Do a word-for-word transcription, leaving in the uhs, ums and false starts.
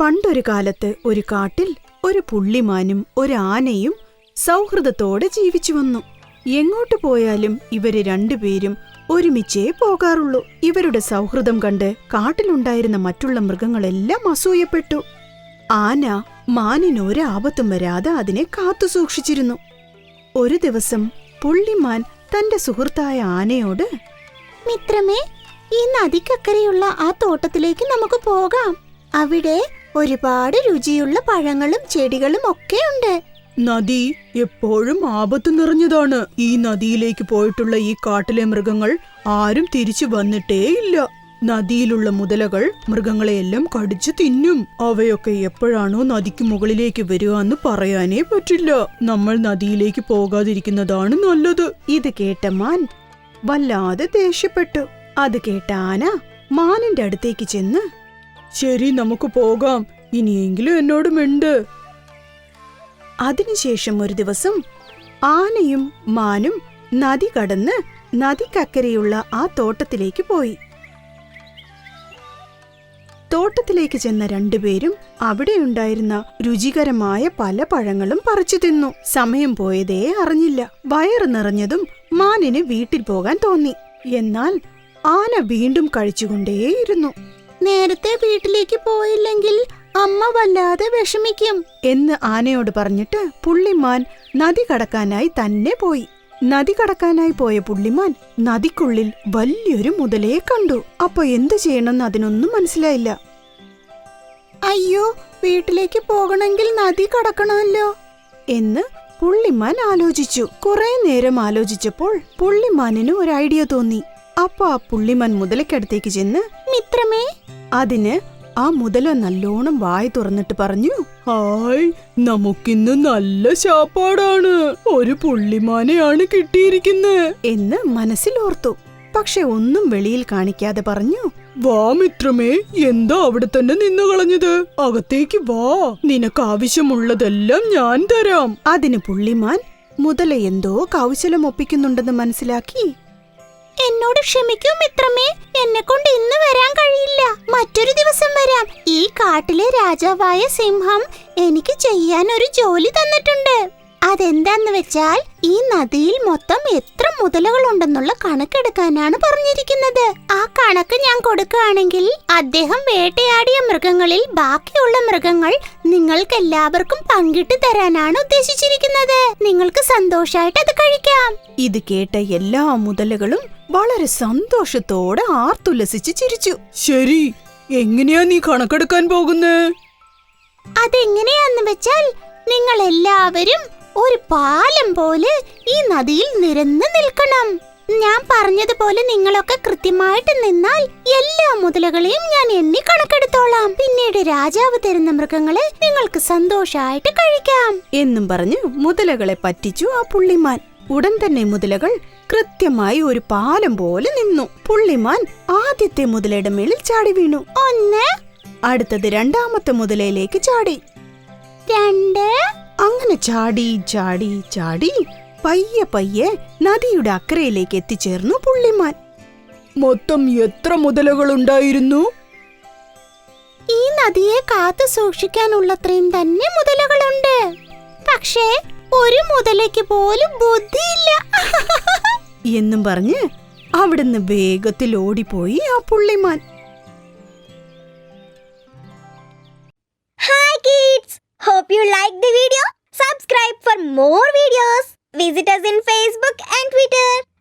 പണ്ടൊരു കാലത്ത് ഒരു കാട്ടിൽ ഒരു പുള്ളിമാനും ഒരു ആനയും സൗഹൃദത്തോടെ ജീവിച്ചു വന്നു. എങ്ങോട്ട് പോയാലും ഇവര് രണ്ടുപേരും ഒരുമിച്ചേ പോകാറുള്ളൂ. ഇവരുടെ സൗഹൃദം കണ്ട് കാട്ടിലുണ്ടായിരുന്ന മറ്റുള്ള മൃഗങ്ങളെല്ലാം അസൂയപ്പെട്ടു. ആന മാനിനൊരു ആപത്തും വരാതെ അതിനെ കാത്തു സൂക്ഷിച്ചിരുന്നു. ഒരു ദിവസം പുള്ളിമാൻ തന്റെ സുഹൃത്തായ ആനയോട്, മിത്രമേ, ഈ നദിക്കക്കരെയുള്ള ആ തോട്ടത്തിലേക്ക് നമുക്ക് പോകാം. അവിടെ ഒരുപാട് രുചിയുള്ള പഴങ്ങളും ചെടികളും ഒക്കെ ഉണ്ട്. നദി എപ്പോഴും ആപത്തു നിറഞ്ഞതാണ്. ഈ നദിയിലേക്ക് പോയിട്ടുള്ള ഈ കാട്ടിലെ മൃഗങ്ങൾ ആരും തിരിച്ചു വന്നിട്ടേയില്ല. നദിയിലുള്ള മുതലകൾ മൃഗങ്ങളെയെല്ലാം കടിച്ചു തിന്നും. അവയൊക്കെ എപ്പോഴാണോ നദിക്ക് മുകളിലേക്ക് വരിക എന്ന് പറയാനേ പറ്റില്ല. നമ്മൾ നദിയിലേക്ക് പോകാതിരിക്കുന്നതാണ് നല്ലത്. ഇത് കേട്ട മാൻ വല്ലാതെ ദേഷ്യപ്പെട്ടു. അത് കേട്ട ആന മാനിന്റെ അടുത്തേക്ക് ചെന്ന്, ശരി, നമുക്ക് പോകാം, ഇനിയെങ്കിലും എന്നോട് മിണ്ട്. അതിനുശേഷം ഒരു ദിവസം ആനയും മാനും നദി കടന്ന് നദിക്കക്കരെയുള്ള ആ തോട്ടത്തിലേക്ക് പോയി. തോട്ടത്തിലേക്ക് ചെന്ന രണ്ടുപേരും അവിടെയുണ്ടായിരുന്ന രുചികരമായ പല പഴങ്ങളും പറിച്ചു തിന്നു. സമയം പോയതേ അറിഞ്ഞില്ല. വയറ് നിറഞ്ഞതും മാനിന് വീട്ടിൽ പോകാൻ തോന്നി. എന്നാൽ ആന വീണ്ടും കഴിച്ചുകൊണ്ടേയിരുന്നു. നേരത്തെ വീട്ടിലേക്ക് പോയില്ലെങ്കിൽ അമ്മ വല്ലാതെ വിഷമിക്കും എന്ന് ആനയോട് പറഞ്ഞിട്ട് പുള്ളിമാൻ നദി കടക്കാനായി തന്നെ പോയി. നദി കടക്കാനായി പോയ പുള്ളിമാൻ നദിക്കുള്ളിൽ വലിയൊരു മുതലയെ കണ്ടു. അപ്പൊ എന്തു ചെയ്യണമെന്ന് അതിനൊന്നും മനസ്സിലായില്ല. അയ്യോ, വീട്ടിലേക്ക് പോകണമെങ്കിൽ നദി കടക്കണമല്ലോ എന്ന് പുള്ളിമാൻ ആലോചിച്ചു. കുറെ നേരം ആലോചിച്ചപ്പോൾ പുള്ളിമാനിന് ഒരു ഐഡിയ തോന്നി. അപ്പൊ ആ പുള്ളിമാൻ മുതലക്കടുത്തേക്ക് ചെന്ന്, മിത്രമേ. അതിന് ആ മുതല നല്ലോണം വായ തുറന്നിട്ട് പറഞ്ഞു, ഹായ്, നമുക്കിന്ന് നല്ല ശാപ്പാടാണ്. ഒരു പുള്ളിമാനെയാണ് കിട്ടിയിരിക്കുന്നത് എന്ന് മനസ്സിലോർത്തു. പക്ഷെ ഒന്നും വെളിയിൽ കാണിക്കാതെ പറഞ്ഞു, വാ മിത്രമേ, എന്താ അവിടെ തന്നെ നിന്നു കളഞ്ഞത്? അകത്തേക്ക് വാ, നിനക്ക് ആവശ്യമുള്ളതെല്ലാം ഞാൻ തരാം. അതിന് പുള്ളിമാൻ മുതല എന്തോ കൗശലം ഒപ്പിക്കുന്നുണ്ടെന്ന് മനസ്സിലാക്കി, എന്നോട് ക്ഷമിക്കൂ മിത്രമേ, എന്നെ കൊണ്ട് ഇന്ന് വരാൻ കഴിയില്ല, മറ്റൊരു ദിവസം വരാം. ഈ കാട്ടിലെ രാജാവായ സിംഹം എനിക്ക് ചെയ്യാൻ ഒരു ജോലി തന്നിട്ടുണ്ട്. അതെന്താന്ന് വെച്ചാൽ ഈ നദിയിൽ മൊത്തം എത്ര മുതലകൾ ഉണ്ടെന്നുള്ള കണക്കെടുക്കാനാണ് പറഞ്ഞിരിക്കുന്നത്. ആ കണക്ക് ഞാൻ കൊടുക്കുകയാണെങ്കിൽ അദ്ദേഹം വേട്ടയാടിയ മൃഗങ്ങളിൽ ബാക്കിയുള്ള മൃഗങ്ങൾ നിങ്ങൾക്ക് എല്ലാവർക്കും പങ്കിട്ട് തരാനാണ് ഉദ്ദേശിച്ചിരിക്കുന്നത്. നിങ്ങൾക്ക് സന്തോഷായിട്ട് അത് കഴിക്കാം. ഇത് കേട്ട എല്ലാ മുതലകളും വളരെ സന്തോഷത്തോടെ ആർത്തുല്ലസിച്ച് ചിരിച്ചു. ശരി, എങ്ങനെയാ നീ കണക്കെടുക്കാൻ പോകുന്നേ? അതെങ്ങനെയാന്ന് വെച്ചാൽ നിങ്ങൾ എല്ലാവരും ഒരു പാലം പോലെ ഈ നദിയിൽ നിരന്ന് നിൽക്കണം. ഞാൻ പറഞ്ഞതുപോലെ നിങ്ങളൊക്കെ കൃത്യമായിട്ട് നിന്നാൽ എല്ലാ മുതലകളെയും ഞാൻ എണ്ണി കണക്കെടുത്തോളാം. പിന്നീട് രാജാവ് തരുന്ന മൃഗങ്ങളെ നിങ്ങൾക്ക് സന്തോഷായിട്ട് കഴിക്കാം എന്നും പറഞ്ഞു മുതലകളെ പറ്റിച്ചു ആ പുള്ളിമാൻ. ഉടൻ തന്നെ മുതലകൾ കൃത്യമായി ഒരു പാലം പോലെ നിന്നു. പുള്ളിമാൻ ആദ്യത്തെ മുതലയുടെ മേളിൽ ചാടി വീണു. ഒന്ന്. അടുത്തത് രണ്ടാമത്തെ മുതലയിലേക്ക് ചാടി. രണ്ട്. അങ്ങനെ ചാടി ചാടി ചാടി പയ്യെ പയ്യെ നദിയുടെ അക്കരയിലേക്ക് എത്തിച്ചേർന്നു പുള്ളിമാൻ. മൊത്തം എത്ര മുതലകൾ ഉണ്ടായിരുന്നു? ഈ നദിയെ കാത്തു സൂക്ഷിക്കാനുള്ളത്രയും തന്നെ മുതലകളുണ്ട്. പക്ഷേ ഒരു മുതലയ്ക്ക് പോലും ബുദ്ധിയില്ല എന്നും പറഞ്ഞ് അവിടുന്ന് വേഗത്തിൽ ഓടിപ്പോയി ആ പുള്ളിമാൻ. Hi kids! Hope you liked the video. Subscribe for more videos. Visit us in Facebook and Twitter.